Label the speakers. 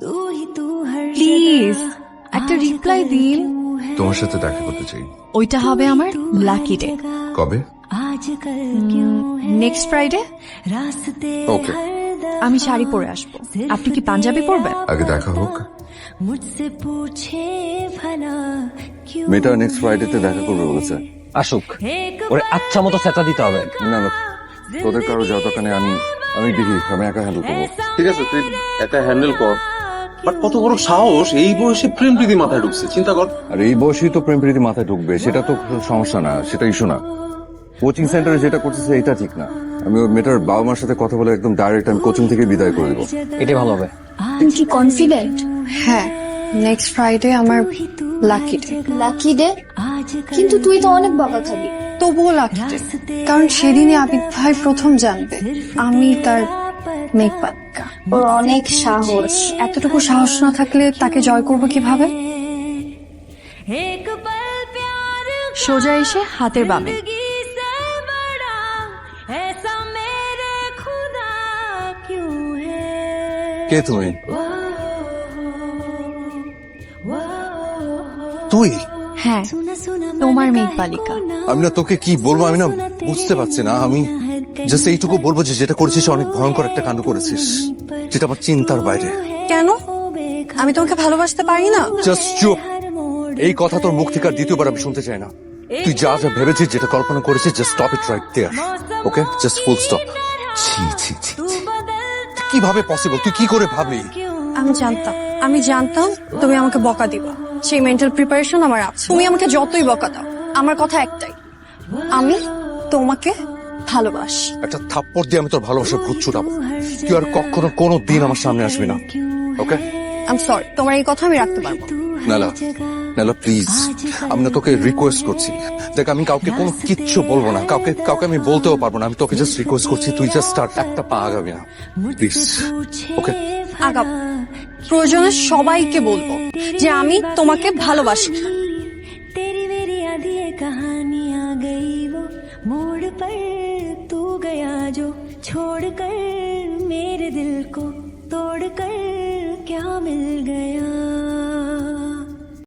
Speaker 1: Please একটা reply দিন।
Speaker 2: তোমার সাথে দেখা করতে চাই।
Speaker 1: ওইটা হবে আমার লাকি ডে।
Speaker 2: কবে?
Speaker 1: Next Friday.
Speaker 2: ওকে,
Speaker 1: আমি শাড়ি পরে আসবো, আপনি কি পাঞ্জাবি পরবেন?
Speaker 2: আগে দেখা হোক।
Speaker 3: মেয়েটা নেক্সট ফ্রাইডেতে দেখা করবে বলেছে।
Speaker 4: আসুক, ওরে আচ্ছা মতো সেটা দিতে হবে।
Speaker 3: না না, তোদের কারো যাওয়ার দরকার নেই, আমি দেখি, আমি একা হ্যান্ডেল করবো।
Speaker 5: ঠিক আছে, তুই একা হ্যান্ডেল কর। বাট কত বড় সাহস, এই বয়সে প্রেম প্রীতি মাথায় ঢুকছে, চিন্তা কর।
Speaker 3: আর এই বয়সেই তো প্রেম প্রীতি মাথায় ঢুকবে, সেটা তো সমস্যা না, সেটা ইস্যু না। কোচিং সেন্টারে যেটা করতেছে এটা ঠিক না। আমি ওই মেয়েটার বাবা মার সাথে কথা বলে একদম ডাইরেক্ট আমি কোচিং থেকে বিদায় করে দেবো।
Speaker 4: এটাই ভালো হবে।
Speaker 6: তুমি কি কনফিডেন্ট?
Speaker 1: হ্যাঁ, নেক্সট ফ্রাইডে আমার লাকি ডে।
Speaker 6: Lucky day? কিন্তু তুই তো অনেক বকা খাবি।
Speaker 1: তবুও লাকি ডে, কারণ সেদিনে আবিদ ভাই প্রথম জানবে আমি তার মেঘপালিকা।
Speaker 6: ওর অনেক সাহস।
Speaker 1: এতটুকু সাহস না থাকলে তাকে জয় করবো কিভাবে? সোজা এসে হাতের বামে।
Speaker 3: কে তুমি? তুই?
Speaker 1: হ্যাঁ, তোমার মেঘপালিকা।
Speaker 3: আমি না তোকে কি বলবো, আমি না বুঝতে পারছি না। আমি জাস্ট এইটুকু বলবো যে যেটা করেছিস অনেক ভয়ঙ্কর একটা কাণ্ড করেছিস, যেটা আমার চিন্তার বাইরে।
Speaker 1: কেন? আমি তোমাকে ভালোবাসতে পারি না?
Speaker 3: জাস্ট চুপ। এই কথা তোর মুখ থেকে আর দ্বিতীয়বার আমি শুনতে চাই না। তুই যা যা ভেবেছিস, যেটা কল্পনা করেছিস, just stop it right there. Okay, just full stop. ছি ছি ছি ছি। কিভাবে পসিবল? তুই কি করে ভাবলি?
Speaker 1: আমি জানতাম তুমি আমাকে বকা দিবা, সেই মেন্টাল প্রিপারেশন আমার আছে। তুমি আমাকে যতই বকা দাও, আমার কথা একটাই, আমি তোমাকে ভালোবাসি।
Speaker 3: একটা থাপ্পড় দিয়ে আমি তোর ভালোবাসা ভূত ছুটাবো। তুই আর কখনো কোনো দিন আমার সামনে আসবি না। ওকে?
Speaker 1: আই এম সরি, তোমার এই কথা আমি রাখতে পারবো।
Speaker 3: নালা, নালা প্লিজ, আমি না তোকে রিকোয়েস্ট করছি। দেখ, আমি কাউকে কোনো কিচ্ছু বলবো না, কাউকে আমি বলতেও পারবো না। আমি তোকে জাস্ট রিকোয়েস্ট করছি, তুই জাস্ট স্টার্ট একটা পা আগাবি না প্লিজ। ওকে?
Speaker 1: আগাব, প্রয়োজনে সবাইকে বলবো যে আমি তোমাকে ভালোবাসি।
Speaker 7: तेरी मेरी आधी कहानियां गई वो मोड़ पर तू गया जो छोड़ कर मेरे दिल को तोड़ कर क्या मिल गया।